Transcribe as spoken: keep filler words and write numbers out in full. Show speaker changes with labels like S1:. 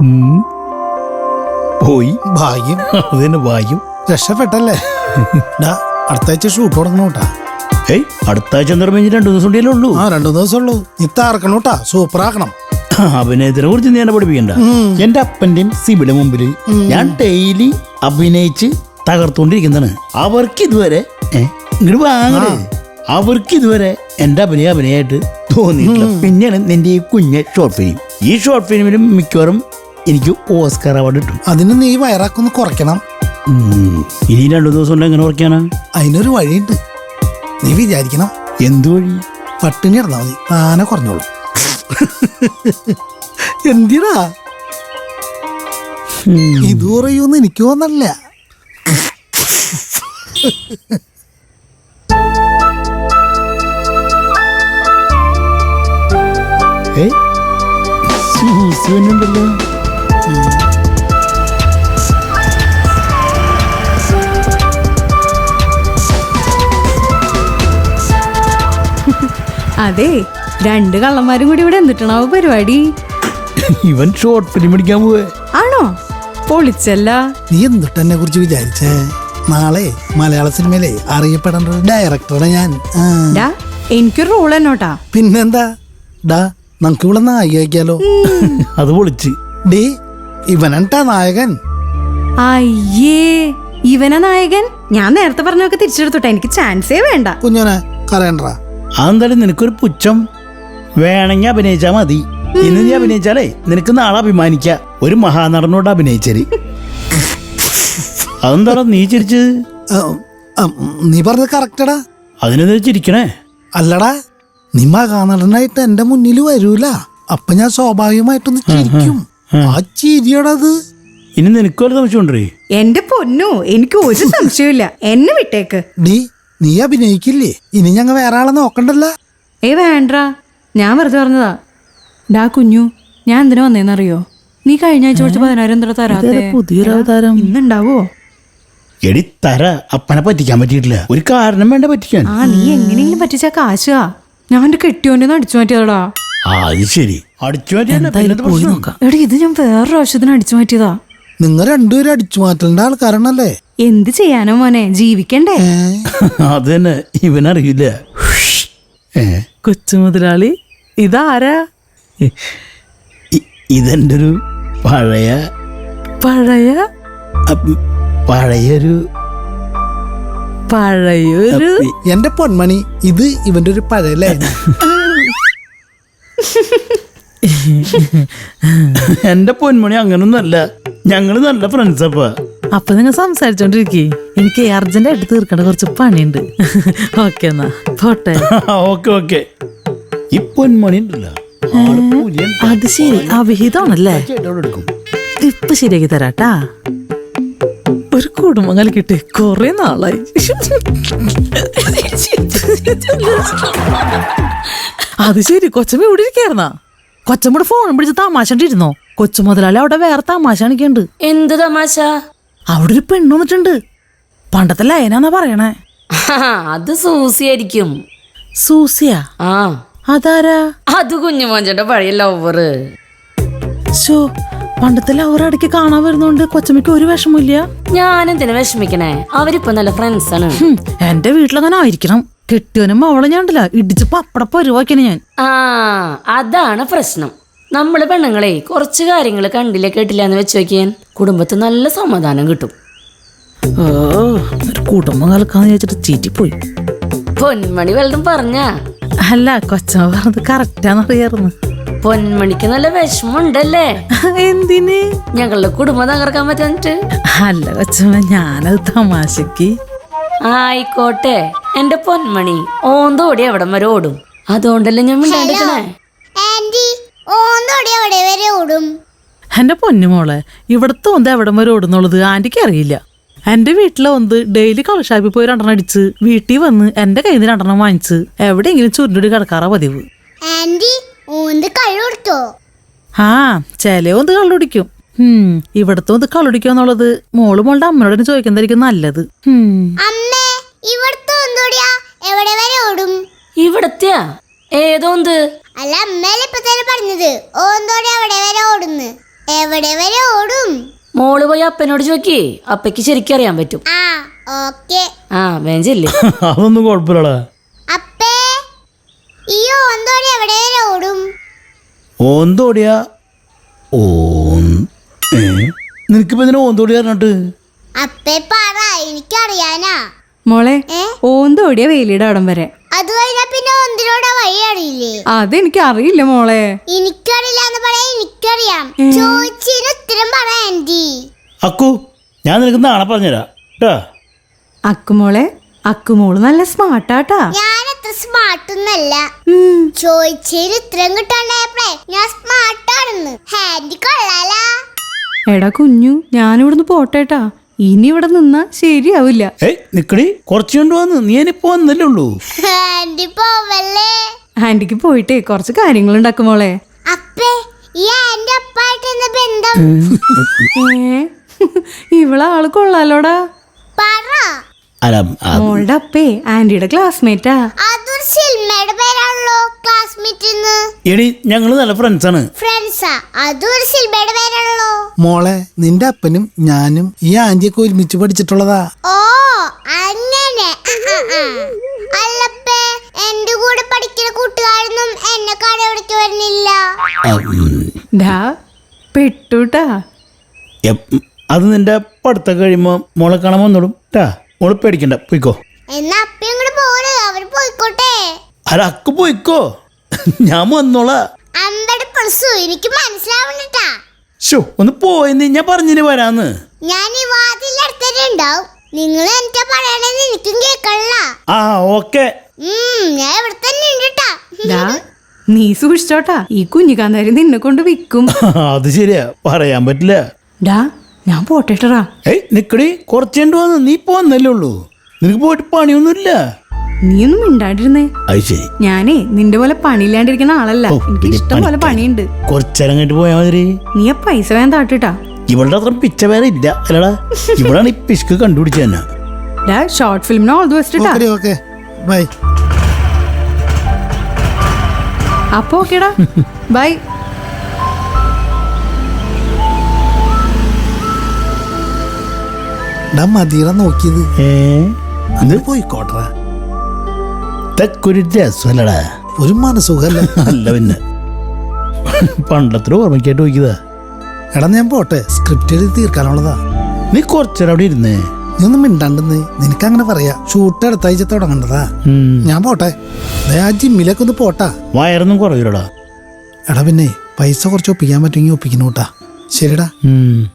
S1: പോയി
S2: ഭാഗ്യം.
S1: അതന്നെ ഭാഗ്യം.
S2: രക്ഷപ്പെട്ടല്ലേ? അടുത്ത ആഴ്ച ഷൂട്ട് തുടങ്ങണോട്ടാ.
S1: ഏയ് അടുത്ത ആഴ്ച നിർമ്മിച്ച് രണ്ടു ദിവസം കൂടിയല്ലേ ഉള്ളൂ.
S2: ആ രണ്ടു ദിവസം ഉള്ളൂ. നീ താർക്കണോട്ടാ, സൂപ്പർ ആക്കണം.
S1: അഭിനയത്തിനെ കുറിച്ച് നീ എന്നെ പഠിപ്പിക്കണ്ട. എന്റെ അപ്പന്റെയും സിബിയുടെ മുമ്പിൽ ഞാൻ ഡെയിലി അഭിനയിച്ച് തകർത്തോണ്ടിരിക്കുന്നതാണ്. അവർക്ക് ഇതുവരെ ഇങ്ങോട്ട് വാങ്ങണേ, അവർക്ക് ഇതുവരെ എന്റെ അഭിനയ അഭിനയമായിട്ട് തോന്നിയിട്ടില്ല. പിന്നെയാണ് നിന്റെ ഈ കുഞ്ഞ ഷോർട്ട് ഫിലിം. ഈ ഷോർട്ട് ഫിലിമിലും മിക്കവാറും എനിക്ക് ഓസ്കാർ അവാർഡ് കിട്ടും.
S2: അതിന് നീ വയറാക്കൊന്ന് കുറയ്ക്കണം.
S1: ഇനി രണ്ടു ദിവസം കൊണ്ട് എങ്ങനെ കുറയ്ക്കാനാ?
S2: അതിനൊരു വഴിയുണ്ട്. നീ വിചാരിക്കണം.
S1: എന്തു വഴി?
S2: പട്ടിണി ഇടന്നാ മതി, താനെ കുറഞ്ഞോളൂ. എന്തിനാ ഇത് പറയൂന്ന് എനിക്ക് തോന്നല്ല.
S1: ഉണ്ടല്ലോ.
S3: അതെ, രണ്ട് കള്ളന്മാരും കൂടി ഇവിടെ എന്തിട്ടാണാവോ പരിപാടി?
S1: ഇവൻ ഷോർട്ട് ഫിലിം പഠിക്കാൻ പോവേ.
S3: ആണോ? പൊളിച്ചല്ല.
S2: നീ എന്തിട്ട് എന്നെ കുറിച്ച് വിചാരിച്ചേ? നാളെ മലയാള സിനിമയിലെ അറിയപ്പെടേണ്ട ഒരു ഡയറക്ടറാണ് ഞാൻ.
S3: എനിക്കൊരു റോൾ എന്നോട്ടാ.
S2: പിന്നെന്താ ഡാ, നമുക്ക് ഇവിടെ നായികയാക്കിയാലോ?
S1: അത് പൊളിച്ച്.
S2: ഡേ, ഇവനാ നായകൻ.
S3: അയ്യേ, ഇവനാ നായകൻ? ഞാൻ നേരത്തെ പറഞ്ഞൊക്കെ തിരിച്ചെടുത്തോട്ടെ, എനിക്ക് ചാൻസേ വേണ്ട.
S2: കുഞ്ഞോനെ കരയണ്ട.
S1: അതെന്തായാലും നിനക്കൊരു പുച്ഛം. വേണമെങ്കിൽ അഭിനയിച്ചാ മതി. ഇന്ന് നീ അഭിനയിച്ചാലേ നിനക്ക് നാളെ അഭിമാനിക്ക ഒരു മഹാനടനോട് അഭിനയിച്ചത്. അതെന്താടാ നീ ചിരിച്ചത്?
S2: നീ പറഞ്ഞത് കറക്റ്റടാ.
S1: അതിനെന്താ ചിരിക്കണേ?
S2: അല്ലടാ, നീ മഹാനടനായിട്ട് എന്റെ മുന്നിൽ വരൂല, അപ്പൊ ഞാൻ സ്വാഭാവികമായിട്ടൊന്ന് ചിരിക്കും. ആ ചിരിയടത്.
S1: ഇനി നിനക്കൊരു സംശയമുണ്ടേ?
S3: എന്റെ പൊന്നോ, എനിക്ക് ഒരു സംശയമില്ല. എന്നെ വിട്ടേക്ക്.
S2: ഡീ, നീ അഭിനയിക്കില്ലേ? ഇനി ഞങ്ങൾ വേറെ ആളെ നോക്കണ്ടല്ല.
S3: ഏ വേണ്ട, ഞാൻ വെറുതെ പറഞ്ഞതാ. ഡാ കുഞ്ഞു, ഞാൻ എന്തിനാ വന്നേന്നറിയോ? നീ കഴിഞ്ഞ ആഴ്ച കുറച്ച് പതിനായിരം എന്താ തരാത്തെ?
S1: പുതിയൊരു അവതാരം
S3: ഇന്നുണ്ടാവോ?
S1: എടി തര, അപ്പനെ പറ്റിക്കാൻ പറ്റിയിട്ടില്ല. ഒരു കാരണം വേണ്ട പറ്റിക്കാൻ.
S3: ആ, നീ എങ്ങനെയെങ്കിലും പറ്റിച്ച കാശാ. ഞാൻ എന്റെ കെട്ടിയോന്റെ അടിച്ചു മാറ്റിയതാടാ.
S1: ആ അത് ശരി, അടിച്ചു മാറ്റിയ.
S3: എടി, ഇത് ഞാൻ വേറൊരു ആവശ്യത്തിന് അടിച്ചു മാറ്റിയതാ.
S2: നിങ്ങൾ രണ്ടുപേരും അടിച്ചു മാറ്റേണ്ട ആൾക്കാരാണല്ലേ?
S3: എന്ത് ചെയ്യാനോ മോനെ, ജീവിക്കണ്ടേ?
S1: അത് തന്നെ, ഇവനറിയില്ല.
S4: കൊച്ചു മുതലാളി, ഇതാരാ?
S1: ഇതെന്റെ ഒരു പഴയ
S4: പഴയ
S1: പഴയൊരു
S4: പഴയൊരു
S2: എന്റെ പൊന്മണി, ഇത് ഇവന്റെ ഒരു പഴയ ലൈന.
S1: എന്റെ പൊന്മണി അങ്ങനൊന്നല്ല, ഞങ്ങള് നല്ല ഫ്രണ്ട്സപ്പാ.
S4: അപ്പൊ നിങ്ങൾ സംസാരിച്ചോണ്ടിരിക്കേ, എനിക്ക് അർജന്റ് ആയിട്ട് തീർക്കേണ്ട കുറച്ച് പണിയുണ്ട്. ഓക്കെ എന്നാ പോട്ടെ.
S1: Okay okay. ഈ പൊന്മണി ഉണ്ടല്ലോ,
S4: അത് ശരി, അവിഹിതമാണല്ലേ? ഇപ്പൊ ശരിയാക്കി തരാട്ടാ. ഒരു കുടുംബം കളിക്കിട്ട് കൊറേ നാളായി. അത് ശരി, കൊച്ചമ്മ ഇവിടെ ഇരിക്കായിരുന്നാ? കൊച്ചമ്മയുടെ ഫോണും പിടിച്ച് തമാശണ്ടിരുന്നോ? കൊച്ചു മുതലാളി അവിടെ വേറെ തമാശ കാണിക്കണ്ട്.
S5: എന്ത് തമാശ?
S4: അവിടെ ഒരു പെണ്ണ് വന്നിട്ടുണ്ട്. പണ്ടത്തെ ലയനാന്നാ പറയണേ.
S5: അത് സൂസിയായിരിക്കും.
S4: സൂസിയാ?
S5: ആ,
S4: അതാരാ?
S5: അത് കുഞ്ഞുമോഞ്ചന്റെ പഴയ ലവറ്.
S4: ഷോ, പണ്ടത്തെ ലവർ ഇടയ്ക്ക് കാണാൻ വരുന്നോണ്ട് കൊച്ചമ്മയ്ക്ക് ഒരു വിഷമില്ല.
S5: ഞാൻ എന്തിനാ വിഷമിക്കണേ? അവരിപ്പോ നല്ല ഫ്രണ്ട്സ് ആണ്.
S4: എന്റെ വീട്ടിലങ്ങനെ ആയിരിക്കണം. കെട്ടിയോനും അവളെ ഞാണ്ടല്ല ഇടിച്ച് പപ്പട പരുവാക്കിയാണ് ഞാൻ.
S5: ആ, അതാണ് പ്രശ്നം. നമ്മള് പെണ്ണുങ്ങളെ കുറച്ച് കാര്യങ്ങൾ കണ്ടില്ല കേട്ടില്ല എന്ന് വെച്ച് നോക്കിയാൻ കുടുംബത്തിൽ നല്ല സമാധാനം കിട്ടും.
S4: ഓ, ഒരു കുടുംബം കളിക്കാന്ന് ചോദിച്ചിട്ട് ചീറ്റിപ്പോയി.
S5: പൊന്മണി വല്ലതും പറഞ്ഞാ?
S4: അല്ല, കൊച്ചമ്മ പറഞ്ഞത് കറക്റ്റാന്നറിയായിരുന്നു.
S5: പൊന്മണിക്ക് നല്ല വിഷമുണ്ടല്ലേ?
S4: എന്തിന്?
S5: ഞങ്ങളുടെ കുടുംബം തകർക്കാൻ പറ്റാഞ്ഞിട്ട്?
S4: അല്ല കൊച്ചമ്മ, ഞാനത് തമാശക്ക്.
S5: ആയിക്കോട്ടെ, എന്റെ പൊന്മണി ഓന്തോടി എവിടം വരെ ഓടും. അതുകൊണ്ടല്ലേ ഞാൻ മിണ്ടാണ്ടിരിക്കണേ.
S4: എന്റെ പൊന്നുമോളെ, ഇവിടത്തെ ഒന്ന് എവിടം വരെ ഓടുന്നുള്ളത് ആന്റിക്ക് അറിയില്ല. എന്റെ വീട്ടിലെ ഒന്ന് ഡെയിലി കളഷാപ്പിൽ പോയി രണ്ടെണ്ണം അടിച്ച് വീട്ടിൽ വന്ന് എന്റെ കയ്യിൽ നിന്ന് രണ്ടെണ്ണം വാങ്ങിച്ച് എവിടെയെങ്കിലും ചുരുണ്ടി കിടക്കാറാ പതിവ്. ആ, ചില ഒന്ന് കള്ളുടിക്കും. ഉം ഇവിടത്തെ ഒന്ന് കള്ളുടിക്കാന്നുള്ളത് മോള് മോളുടെ അമ്മയോട് ചോദിക്കുന്നതായിരിക്കും നല്ലത്.
S5: ഇവിടത്തെയാ? ഏതോന്ത്?
S6: അല്ല, അമ്മയല്ലേ ഇപ്പൊ തന്നെ പറഞ്ഞത് ഓന്തോടി അവിടെ വരെ ഓടുന്നു. എവിടെ വരെ ഓടും?
S5: മോള് പോയി അപ്പനോട് ചോദിക്കേ, അപ്പയ്ക്ക് ശരിക്കും അറിയാൻ പറ്റും.
S6: ആ ഓക്കെ.
S5: ആ വേഞ്ചില്ലേ.
S1: അതൊന്നും കുഴപ്പമില്ലടാ.
S6: അപ്പേ ഈ ഓന്തോടി എവിടെ വരെ ഓടും?
S1: ഓന്തോടിയാ ഓ നിനക്കിപ്പോ ഇതിനെ ഓന്തോടി പറഞ്ഞിട്ട്?
S6: അപ്പേ പറ, എനിക്കറിയാനാ.
S3: മോളെ
S6: ഏ?
S3: ഓന്തോടിയ വേലിയുടെ അവിടം വരെ.
S6: അത് കഴിഞ്ഞാ പിന്നെ ഒന്നിനോടെ വഴി അറിയില്ലേ?
S3: അതെനിക്ക് അറിയില്ല മോളെ.
S6: എനിക്കറിയില്ല എന്ന് പറയാൻ എനിക്കറിയാം. ചോദിച്ചതിന് ഉത്തരം പറ ആന്റി.
S1: അക്കു, ഞാൻ നിനക്ക് നാളെ പറഞ്ഞുതരാം കേട്ടാ.
S3: അക്കുമോളെ, അക്കുമോള് നല്ല സ്മാർട്ടാട്ടാ.
S6: ഞാൻ അത്ര സ്മാർട്ട് ഒന്നല്ല. ചോദിച്ചതിന് ഉത്തരം കിട്ടാണ്ടായപ്പോഴേ ഞാൻ സ്മാർട്ടാണെന്ന്. ആന്റി കൊള്ളാലാ.
S3: എടാ കുഞ്ഞു, ഞാനിവിടുന്ന് പോട്ടേട്ടാ. ഇനി ഇവിടെ നിന്നാ ശരിയാവില്ല.
S1: ഏയ് നിക്കടി, കുറച്ചു കൊണ്ട് വന്ന് നീ ഇനിയിപ്പോ വന്നല്ലേ ഉള്ളൂ.
S6: ആന്റി പോവല്ലേ?
S3: ആന്റിക്ക് പോയിട്ടേ കുറച്ച് കാര്യങ്ങളുണ്ടാക്കും മോളെ.
S6: അപ്പേ ഈ ആന്റി അപ്പായിട്ട് എന്താ ബന്ധം?
S3: ഏ ഇവളെ ആള് കൊള്ളാലോടാ.
S6: പറ.
S1: അല്ല അത്
S3: മോളുടെ അപ്പേ ആന്റിയുടെ ക്ലാസ്മേറ്റാ.
S6: അതൊരു സിനിമയുടെ പേരാണല്ലോ, ക്ലാസ്മേറ്റ്.
S1: എടി ഞങ്ങള് നല്ല ഫ്രണ്ട്സാണ്.
S6: ഫ്രണ്ട്സാ? അതൊരു സിനിമയുടെ പേരാണല്ലോ.
S2: മോളെ, നിന്റെ അപ്പനും ഞാനും ഈ ആന്റിയൊക്കെ ഒരുമിച്ച് പഠിച്ചിട്ടുള്ളതാ.
S6: ഓ അങ്ങനെ. ആ, ആ, ആ. അല്ലപ്പേ, എന്റെ കൂടെ പഠിക്കുന്ന കൂട്ടുകാരൊന്നും എന്നെ കടവിടേക്ക് വരുന്നില്ല.
S3: ഡാ പെട്ടുട്ടാ.
S1: എപ്പ്, അത് നിന്റെ പഠിത്തം കഴിയുമ്പോ മോളെ കാണാൻ വന്നോളും ട്ടാ. മോള് പേടിക്കണ്ട, പോയിക്കോ.
S6: എന്നാ അപ്പ ഇങ്ങോട്ട് പോര്, അവര് പോയിക്കോട്ടെ.
S1: അല്ല അക്കു പോയിക്കോ, ഞാൻ വന്നോളാ.
S6: അമ്പത് പ്ലസ് എനിക്ക് മനസ്സിലാവണ്ടട്ടാ.
S1: ഷോ ഒന്ന് പോയെന്ന് ഞാൻ പറഞ്ഞിന് വരാന്ന്.
S6: ഞാൻ ഈ വാതിലടുത്തിട്ടുണ്ടാവും. നിങ്ങൾ എന്താ പറയണെന്ന് എനിക്കും കേക്കല്ല.
S1: ആ ഓക്കെ.
S6: ഉം ഞാൻ ഇവിടെ തന്നെ ഉണ്ടട്ടാ.
S3: ഡാ നീ സൂക്ഷിച്ചോട്ടാ, ഈ കുഞ്ഞിക്കാന്താരി നിന്നെ കൊണ്ട് വിൽക്കും.
S1: അത് ശരിയാ, പറയാൻ പറ്റില്ല.
S3: ഡാ ഞാൻ പോട്ടേട്ടറാ.
S1: ഏയ് നിക്കടി, കുറച്ചേണ്ടി വന്ന് നീ ഇപ്പൊ വന്നല്ലേ ഉള്ളൂ. നിനക്ക് പോയിട്ട് പണിയൊന്നുമില്ല.
S3: നീ ഒന്നും മിണ്ടാണ്ടിരുന്നേ.
S1: അത് ശരി.
S3: ഞാനേ നിന്റെ പോലെ പണിയില്ലാണ്ടിരിക്കുന്ന ആളല്ല.
S1: ഓ,
S3: എനിക്ക്
S1: പിന്നെ
S3: ഇഷ്ടം പോലെ
S1: പണിക്കാരി.
S3: പണിയുണ്ട്.
S1: കുറച്ചേരം കഴിഞ്ഞിട്ട് പോയാ മതി.
S3: നീ ആ പൈസ വേഗം താട്ടിട്ടാ.
S1: ഇവളുടെ അത്ര പിച്ച വേറെ ഇല്ല അല്ലടാ. ഇവളാണ് ഈ പിശുക്ക് കണ്ടുപിടിച്ച തന്നെ.
S3: ഡാ ഷോർട്ട് ഫിലിമിന് ഓൾ ദി ബെസ്റ്റ് ട്ടാ.
S2: Okay okay bye.
S3: അപ്പൊ ഓക്കേടാ, ബൈ.
S2: ഡാ മതിയറ നോക്കിയത്.
S1: ഏ
S2: അത് പോയിക്കോട്ടെ.
S1: ഇതൊക്കൊരു രസമല്ലടാ.
S2: ഒരു മനസുഖല്ല.
S1: അല്ല പിന്നെ പണ്ടത്ര ഓർമ്മയ്ക്കായിട്ട് നോക്കിയതാ.
S2: എടാ ഞാൻ പോട്ടെ, സ്ക്രിപ്റ്റ് എഴുതി തീർക്കാനുള്ളതാ.
S1: നീ കുറച്ചേരം അവിടെ ഇരുന്നേ.
S2: നീ ഒന്നും മിണ്ടാണ്ടെന്ന്. നിനക്ക് അങ്ങനെ പറയാ. ഷൂട്ട് അടുത്താഴ്ച തുടങ്ങണ്ടതാ.
S1: ഉം.
S2: ഞാൻ പോട്ടെ. ദേ ആ ജിമ്മിലേക്ക് ഒന്ന് പോട്ടാ.
S1: വയറൊന്നും കുറയൂലടാ.
S2: എടാ പിന്നെ പൈസ കുറച്ച് ഒപ്പിക്കാൻ പറ്റുമെങ്കിൽ ഒപ്പിക്കുന്നു കേട്ടാ. ശരിടാ.
S1: ഉം